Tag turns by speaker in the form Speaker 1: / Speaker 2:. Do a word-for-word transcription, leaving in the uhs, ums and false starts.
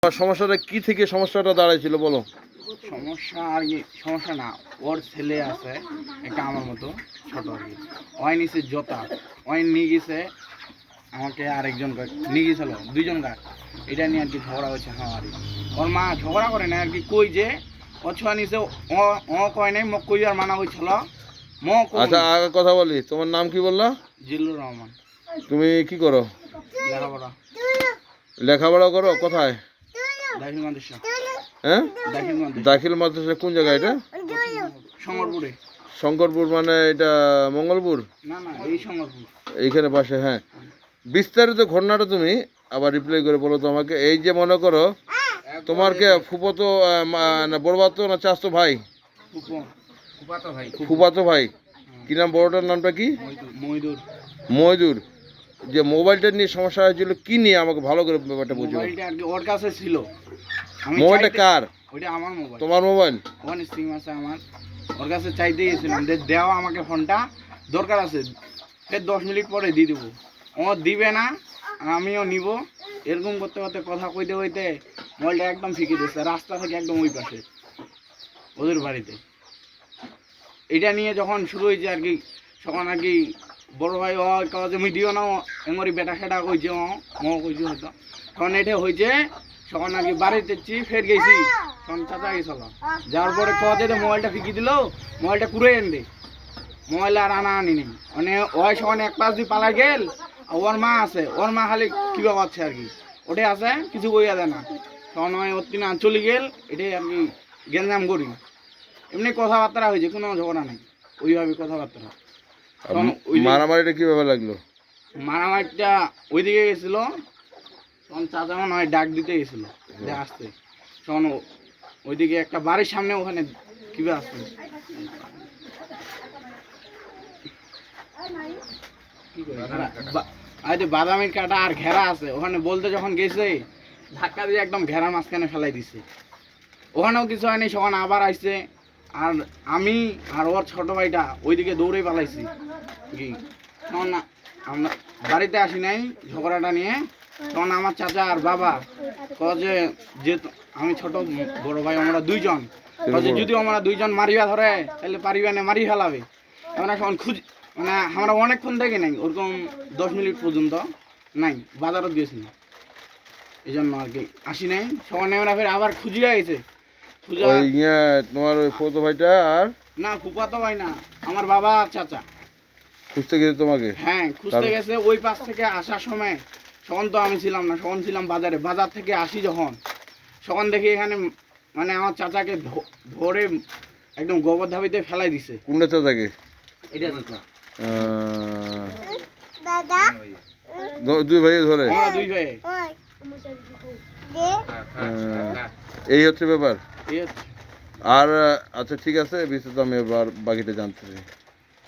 Speaker 1: সমস্যাটা কি থেকে সমস্যাটা দাঁড়াইছিল বলো?
Speaker 2: সমস্যা আর কি, সমস্যা না, ওর ছেলে আছে একটা আমার মতো ছোট আর কি, ওই নিচে জোতা ওই নিয়ে গেছে আমাকে, আরেকজন নিয়ে গেছিল দুইজন গাছ, এটা নিয়ে আর কি ঝগড়া হয়েছে। হ্যাঁ আর কি ওর মা ঝগড়া করে না আর কি, কই যে ও ছোঁয়া নিচে ও ও কয় নাই, মোক কই আর মানা হয়েছিল।
Speaker 1: আচ্ছা আগে কথা বলি, তোমার নাম কি বললা?
Speaker 2: জিল্লুর রহমান।
Speaker 1: তুমি কি করো?
Speaker 2: লেখাপড়া।
Speaker 1: লেখাপড়া করো কোথায়?
Speaker 2: দাখিল মাদ্রাসা।
Speaker 1: হ্যাঁ,
Speaker 2: দাখিল মাদ্রাসা।
Speaker 1: দাখিল মাদ্রাসা কোন জায়গায় এটা?
Speaker 2: শঙ্করপুরে।
Speaker 1: শঙ্করপুর মানে এটা মঙ্গলপুর?
Speaker 2: না না, এই শঙ্করপুর
Speaker 1: এইখানে পাশে। হ্যাঁ, বিস্তারিত ঘটনাটা তুমি আবার রিপ্লাই করে বলো তো আমাকে। এই যে মনে করো তোমার কে ফুফাতো না বড়বাতো না চাচতো ভাই?
Speaker 2: ফুফাতো ভাই।
Speaker 1: ফুফাতো ভাই। কি নাম বড়টার নামটা কি?
Speaker 2: মইদুর।
Speaker 1: মইদুর। যে মোবাইলটা নিয়ে সমস্যা হয়েছিল কি নিয়ে আমাকে ভালো করে ব্যাপারটা বুঝো।
Speaker 2: মোবাইলটা আর কি ওর কাছে ছিল।
Speaker 1: মোবাইলটা কার?
Speaker 2: ওইটা আমার মোবাইল।
Speaker 1: তোমার মোবাইল?
Speaker 2: ওখানে সিম আছে আমার, ওর কাছে চাইতে গেছিলাম যে দেওয়া আমাকে ফোনটা দরকার আছে, ফের দশ মিনিট পরে দিয়ে দেবো। ও দিবে না, আমিও নিব, এরকম করতে করতে কথা কইতে কইতে মোবাইলটা একদম ফিকে দিচ্ছে, রাস্তা থেকে একদম ওই পাশে ওদের বাড়িতে। এটা নিয়ে যখন শুরু হয়েছে আর কি, তখন আর কি বড় ভাই ও কাজে মুই দিও না, এমরি বেটা খেটা কইছে, ও ম কইছে হয়তো, তখন এটা হয়েছে। তখন আর কি বাড়িতে ফের গেছি, তখন চাচা গেছিল, যাওয়ার পরে কাজে মোবাইলটা ফিকি দিল, মোবাইলটা কুড়ে এন দে, মোবাইল আর আনা আনি নেই, মানে ওই সখন এক পাশ দিয়ে পালা গেল। ওর মা আছে, ওর মা খালি কিবা পাচ্ছে আর কি, ওটাই আছে, কিছু বইয়া দেয় না। তখন ওই ওর তিন চলে গেল, এটাই আর কি গেঞ্জাম করি। এমনি কথাবার্তা হয়েছে, কোনো ঝগড়া নেই, ওইভাবে কথাবার্তা।
Speaker 1: মারামারিটা কিভাবে লাগলো?
Speaker 2: মারামারিটা ওইদিকে গেছিল, তখন চাচা মনে হয় ডাক দিতে গেছিল যে আসতে, তখন ওইদিকে একটা বাড়ির সামনে ওখানে কিবা আসছে বাদামের কাটা আর ঘেরা আছে, ওখানে বলতে যখন গেছে ধাক্কা দিয়ে একদম ঘেরা মাঝখানে ফেলাই দিছে। ওখানেও কিছু হয়নি, তখন আবার আসছে, আর আমি আর ওর ছোট ভাইটা ওইদিকে দৌড়ে পালাইছি কি। তখন আমরা বাড়িতে আসি নাই ঝগড়াটা নিয়ে, তখন আমার চাচা আর বাবা কয়ে যে আমি ছোট বড় ভাই আমরা দুইজন, যদি আমরা দুইজন মারিবা ধরে তাহলে পারিবা না, মারি ফেলাবে। আমরা তখন খুঁজ মানে আমরা অনেকক্ষণ দেখি নাই, ওরকম দশ মিনিট পর্যন্ত নাই, বাজারত গেছি এই জন্য আর কি আসি নাই। সবাই আমরা ফের আবার খুঁজিয়া গেছে।
Speaker 1: তোমার ওই ফুফাতো ভাইটা আর
Speaker 2: না, ফুফাতো ভাই না, আমার বাবা আর চাচা
Speaker 1: খুঁজতে গেছে তোমাকে?
Speaker 2: হ্যাঁ, খুঁজতে গেছে। ওই পাশ থেকে আসার সময় তখন তো আমি ছিলাম না, তখন ছিলাম বাজারে। বাজার থেকে আসি যখন, তখন দেখি এখানে মানে আমার চাচাকে ধরে একদম গোবর ধাবিতে ফেলাই দিছে।
Speaker 1: কোনটা চাচাকে?
Speaker 2: এটা চাচা।
Speaker 3: দাদা
Speaker 1: দুই ভাই ধরে?
Speaker 2: হ্যাঁ, দুই ভাই।
Speaker 1: এই হচ্ছে ব্যাপার।
Speaker 2: এই হচ্ছে।
Speaker 1: আর আচ্ছা ঠিক আছে, বিস্তারিত আমি এবার বাকিটা জানতে চাই।